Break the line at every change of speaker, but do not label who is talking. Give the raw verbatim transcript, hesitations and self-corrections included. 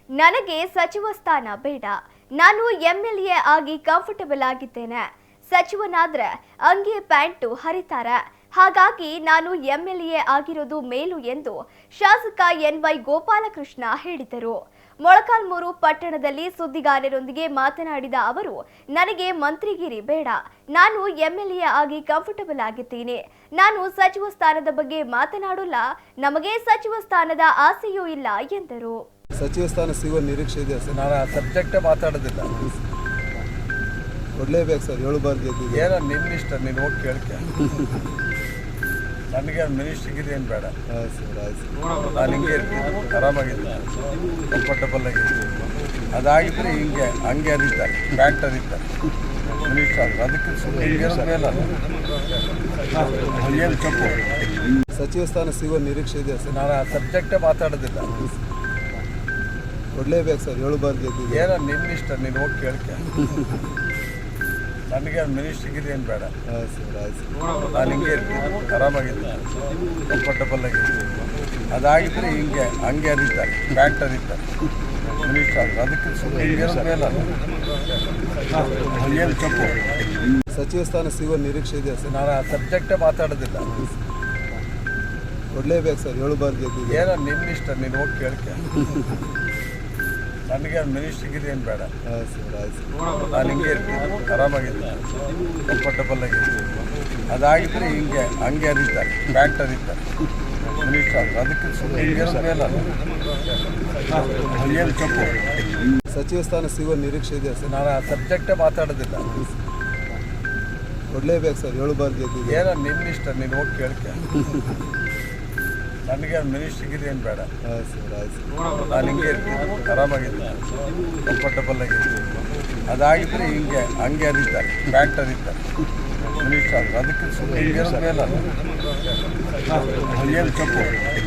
ನನಗೆ ಸಚಿವ ಸ್ಥಾನ ಬೇಡ. ನಾನು ಎಂಎಲ್ಎ ಆಗಿ ಕಂಫರ್ಟಬಲ್ ಆಗಿದ್ದೇನೆ. ಸಚಿವನಾದ್ರೆ ಅಂಗಿ ಪ್ಯಾಂಟು ಹರಿತಾರೆ. ಹಾಗಾಗಿ ನಾನು ಎಂಎಲ್ಎ ಆಗಿರೋದು ಮೇಲು ಎಂದು ಶಾಸಕ ಎನ್ ವೈ ಗೋಪಾಲಕೃಷ್ಣ ಹೇಳಿದರು. ಮೊಳಕಾಲ್ಮೂರು ಪಟ್ಟಣದಲ್ಲಿ ಸುದ್ದಿಗಾರರೊಂದಿಗೆ ಮಾತನಾಡಿದ ಅವರು, ನನಗೆ ಮಂತ್ರಿಗಿರಿ ಬೇಡ. ನಾನು ಎಂಎಲ್ಎ ಆಗಿ ಕಂಫರ್ಟಬಲ್ ಆಗಿದ್ದೀನಿ. ನಾನು ಸಚಿವ ಸ್ಥಾನದ ಬಗ್ಗೆ ಮಾತನಾಡಲ್ಲ. ನಮಗೆ ಸಚಿವ ಸ್ಥಾನದ ಆಸೆಯೂ ಇಲ್ಲ ಎಂದರು.
ಸಚಿವ ಸ್ಥಾನ ಸಿಗುವ ನಿರೀಕ್ಷೆ ಇದೆ ಸರ್.
ನಾನು ಆ ಸಬ್ಜೆಕ್ಟೇ ಮಾತಾಡೋದಿಲ್ಲ.
ಕೊಡಲೇಬೇಕು ಸರ್, ಏಳು ಬಾರ್ ಗೆದ್ದಿದೆ.
ಏನೋ ನಿನ್ನಿಷ್ಟ, ನೀನು ಹೋಗಿ ಕೇಳ್ಕೆ. ನನಗೆ ಮಿನಿಸ್ಟ್ರಿಗೆ ಏನು ಬೇಡ.
ಹಾಂ ಸರ್, ಆಯ್ತು ಸರ್.
ನಾನು ಹಿಂಗೆ ಇರ್ತೀನಿ, ಆರಾಮಾಗಿದ್ದೀನಿ, ಕಂಫರ್ಟಬಲ್ ಆಗಿದ್ದೀನಿ. ಅದಾಗಿದ್ದರೆ ಹಿಂಗೆ ಹಂಗೆ ಹರಿತಾರೆ, ಪ್ಯಾಂಟ್ ಹರಿತಾರೆ ಮಿನಿಸ್ಟರ್ ಆದ್ರೆ. ಅದಕ್ಕೆ ಸುಮ್ಮನೆ ಹಿಂಗಿರೋದು ಮೇಲಲ್ಲ, ಏನು ತಪ್ಪು.
ಸಚಿವ ಸ್ಥಾನ ಸಿಗುವ ನಿರೀಕ್ಷೆ ಇದೆ ಸರ್.
ನಾನು ಆ ಸಬ್ಜೆಕ್ಟೇ ಮಾತಾಡೋದಿಲ್ಲ.
ಕೊಡಲೇಬೇಕು ಸರ್, ಏಳು ಬಾರ್ ಗೆದ್ದಿದೆ.
ಏನೋ ನಿನ್ನಿಷ್ಟ, ನೀನು ಹೋಗಿ ಕೇಳ್ಕೆ. ನನಗೆ ಮಿನಿಸ್ಟ್ರಿಗೆ ಏನು ಬೇಡ.
ಹಾಂ ಸರ್, ಆಯ್ತು ಸರ್.
ನಾನು ಹಿಂಗೆ ಇರ್ತೀನಿ, ಆರಾಮಾಗಿದ್ದೀನಿ, ಕಂಫರ್ಟಬಲ್ ಆಗಿದ್ದೀನಿ. ಅದಾಗಿದ್ದರೆ ಹಿಂಗೆ ಹಂಗೆ ಹರಿತಾರೆ, ಪ್ಯಾಂಟ್ ಹರಿತಾರೆ ಮಿನಿಸ್ಟರ್ ಆದ್ರೆ. ಅದಕ್ಕೆ ಸುಮ್ಮನೆ ಹಿಂಗಿರೋದು ಮೇಲಲ್ಲ, ಏನು ತಪ್ಪು.
ಸಚಿವ ಸ್ಥಾನ ಸಿಗುವ ನಿರೀಕ್ಷೆ ಇದೆ ಸರ್.
ನಾನು ಆ ಸಬ್ಜೆಕ್ಟೇ ಮಾತಾಡೋದಿಲ್ಲ.
ಕೊಡಲೇಬೇಕು ಸರ್, ಏಳು ಬಾರ್ ಗೆದ್ದಿದೆ.
ಏನೋ ನಿನ್ನಿಷ್ಟ, ನೀನು ಹೋಗಿ ಕೇಳ್ಕೆ. ನನಗೆ ಮಿನಿಸ್ಟ್ರಿಗೆ ಏನು ಬೇಡ.
ಹಾಂ ಸರ್, ಆಯ್ತು ಸರ್.
ನಾನು ಹಿಂಗೆ ಇರ್ತೀನಿ, ಆರಾಮಾಗಿದ್ದೀನಿ, ಕಂಫರ್ಟಬಲ್ ಆಗಿದ್ದೀನಿ. ಅದಾಗಿದ್ದರೆ ಹಿಂಗೆ ಹಂಗೆ ಹರಿತಾರೆ, ಪ್ಯಾಂಟ್ ಹರಿತಾರೆ ಮಿನಿಸ್ಟರ್ ಆದ್ರೆ. ಅದಕ್ಕೆ ಸುಮ್ಮನೆ ಹಿಂಗಿರೋದು ಮೇಲಲ್ಲ, ಏನು ತಪ್ಪು.
ಸಚಿವ ಸ್ಥಾನ ಸಿಗುವ ನಿರೀಕ್ಷೆ ಇದೆ ಸರ್.
ನಾನು ಆ ಸಬ್ಜೆಕ್ಟೇ ಮಾತಾಡೋದಿಲ್ಲ.
ಕೊಡಲೇಬೇಕು ಸರ್, ಏಳು ಬಾರ್ ಗೆದ್ದಿದೆ.
ಏನೋ ನಿನ್ನಿಷ್ಟ, ನೀನು ಹೋಗಿ ಕೇಳ್ಕೆ. ನನಗೆ ಮಿನಿಸ್ಟ್ರಿಗೆ ಏನು ಬೇಡ.
ಹಾಂ ಸರ್, ಆಯ್ತು ಸರ್.
ನಾನು ಹಿಂಗೆ ಇರ್ತೀನಿ, ಆರಾಮಾಗಿದ್ದೀನಿ, ಕಂಫರ್ಟಬಲ್ ಆಗಿದ್ದೀನಿ. ಅದಾಗಿದ್ದರೆ ಹಿಂಗೆ ಹಂಗೆ ಹರಿತಾರೆ, ಪ್ಯಾಂಟ್ ಹರಿತಾರೆ ಮಿನಿಸ್ಟರ್ ಆದ್ರೆ. ಅದಕ್ಕೆ ಸುಮ್ಮನೆ ಹಿಂಗಿರೋದು ಮೇಲಲ್ಲ, ಏನು ತಪ್ಪು.